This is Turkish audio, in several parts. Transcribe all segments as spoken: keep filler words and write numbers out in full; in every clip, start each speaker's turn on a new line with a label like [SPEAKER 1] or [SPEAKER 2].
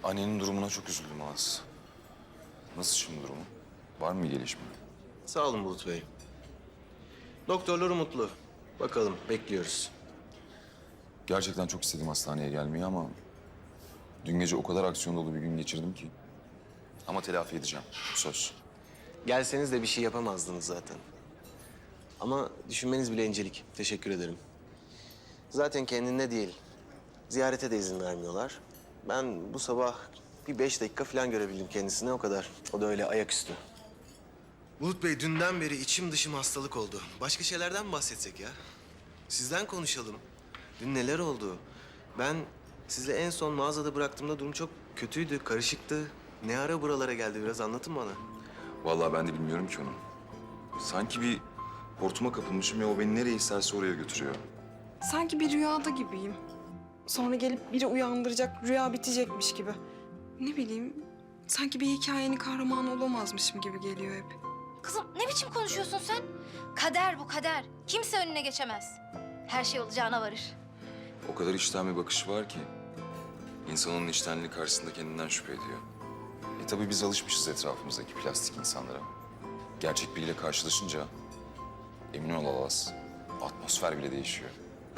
[SPEAKER 1] Annenin durumuna çok üzüldüm Alas. Nasıl şimdi durumu? Var mı bir gelişme?
[SPEAKER 2] Sağ olun Bulut Bey. Doktorlar umutlu. Bakalım, bekliyoruz.
[SPEAKER 1] Gerçekten çok istedim hastaneye gelmeyi ama... ...dün gece o kadar aksiyon dolu bir gün geçirdim ki. Ama telafi edeceğim, söz.
[SPEAKER 2] Gelseniz de bir şey yapamazdınız zaten. Ama düşünmeniz bile incelik. Teşekkür ederim. Zaten kendinde değil. Ziyarete de izin vermiyorlar. Ben bu sabah bir beş dakika falan görebildim kendisini, o kadar. O da öyle ayaküstü. Bulut Bey, dünden beri içim dışım hastalık oldu. Başka şeylerden mi bahsetsek ya? Sizden konuşalım. Dün neler oldu? Ben sizi en son mağazada bıraktığımda durum çok kötüydü, karışıktı. Ne ara buralara geldi, biraz anlatın bana.
[SPEAKER 1] Vallahi ben de bilmiyorum ki onu. Sanki bir hortuma kapılmışım ve o beni nereye isterse oraya götürüyor.
[SPEAKER 3] Sanki bir rüyada gibiyim. Sonra gelip biri uyandıracak, rüya bitecekmiş gibi. Ne bileyim, sanki bir hikayenin kahramanı olamazmışım gibi geliyor hep.
[SPEAKER 4] Kızım ne biçim konuşuyorsun sen? Kader bu kader. Kimse önüne geçemez. Her şey olacağına varır.
[SPEAKER 1] O kadar içten bir bakışı var ki... ...insan onun içtenliği karşısında kendinden şüphe ediyor. E tabii biz alışmışız etrafımızdaki plastik insanlara. Gerçek biriyle karşılaşınca... ...emin ol Alas, atmosfer bile değişiyor.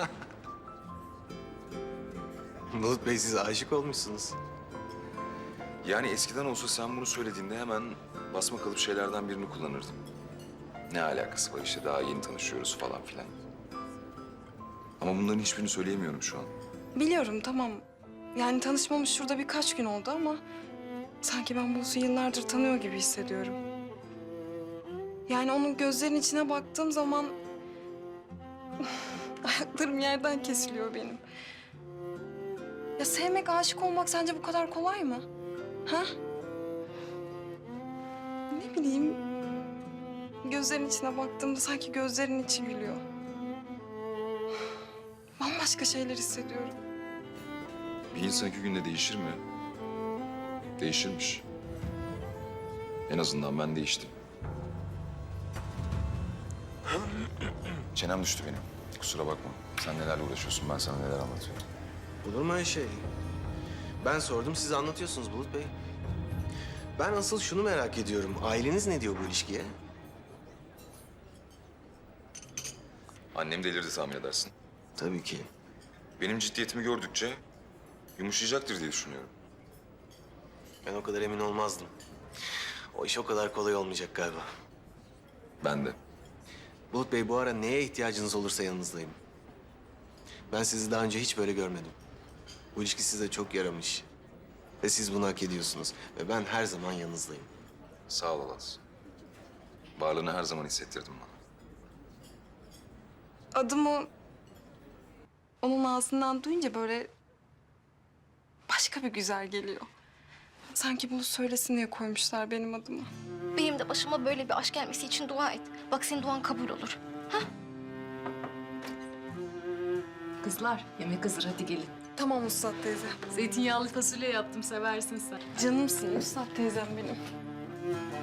[SPEAKER 2] Bulut Bey, siz aşık olmuşsunuz.
[SPEAKER 1] Yani eskiden olsa sen bunu söylediğinde hemen basma kalıp şeylerden birini kullanırdım. Ne alakası var işte, daha yeni tanışıyoruz falan filan. Ama bunların hiçbirini söyleyemiyorum şu an.
[SPEAKER 3] Biliyorum, tamam. Yani tanışmamız şurada birkaç gün oldu ama... ...sanki ben Bulus'u yıllardır tanıyor gibi hissediyorum. Yani onun gözlerinin içine baktığım zaman... ...ayaklarım yerden kesiliyor benim. Ya sevmek, aşık olmak sence bu kadar kolay mı? Ha? Ne bileyim... ...gözlerinin içine baktığımda sanki gözlerinin içi gülüyor. Bambaşka şeyler hissediyorum.
[SPEAKER 1] Bir insan iki günde değişir mi? Değişirmiş. En azından ben değiştim. Çenem düştü benim. Kusura bakma. Sen nelerle uğraşıyorsun, ben sana neler anlatıyorum.
[SPEAKER 2] Olur mu öyle şey? Ben sordum, siz anlatıyorsunuz Bulut Bey. Ben asıl şunu merak ediyorum. Aileniz ne diyor bu ilişkiye?
[SPEAKER 1] Annem delirdi tahmin edersin.
[SPEAKER 2] Tabii ki.
[SPEAKER 1] Benim ciddiyetimi gördükçe yumuşayacaktır diye düşünüyorum.
[SPEAKER 2] Ben o kadar emin olmazdım. O iş o kadar kolay olmayacak galiba.
[SPEAKER 1] Ben de.
[SPEAKER 2] Bulut Bey, bu ara neye ihtiyacınız olursa yanınızdayım. Ben sizi daha önce hiç böyle görmedim. Bu ilişki size çok yaramış. Ve siz bunu hak ediyorsunuz. Ve ben her zaman yanınızdayım.
[SPEAKER 1] Sağ ol Alas. Varlığını her zaman hissettirdin bana.
[SPEAKER 3] Adımı... ...onun ağzından duyunca böyle... ...başka bir güzel geliyor. Sanki bunu söylesin diye koymuşlar benim adımı.
[SPEAKER 4] Benim de başıma böyle bir aşk gelmesi için dua et. Bak senin duan kabul olur.
[SPEAKER 5] Kızlar, yemek hazır, hadi gelin.
[SPEAKER 3] Tamam Üstad teyze.
[SPEAKER 5] Zeytinyağlı fasulye yaptım, seversin sen.
[SPEAKER 3] Canımsın Üstad teyzem benim.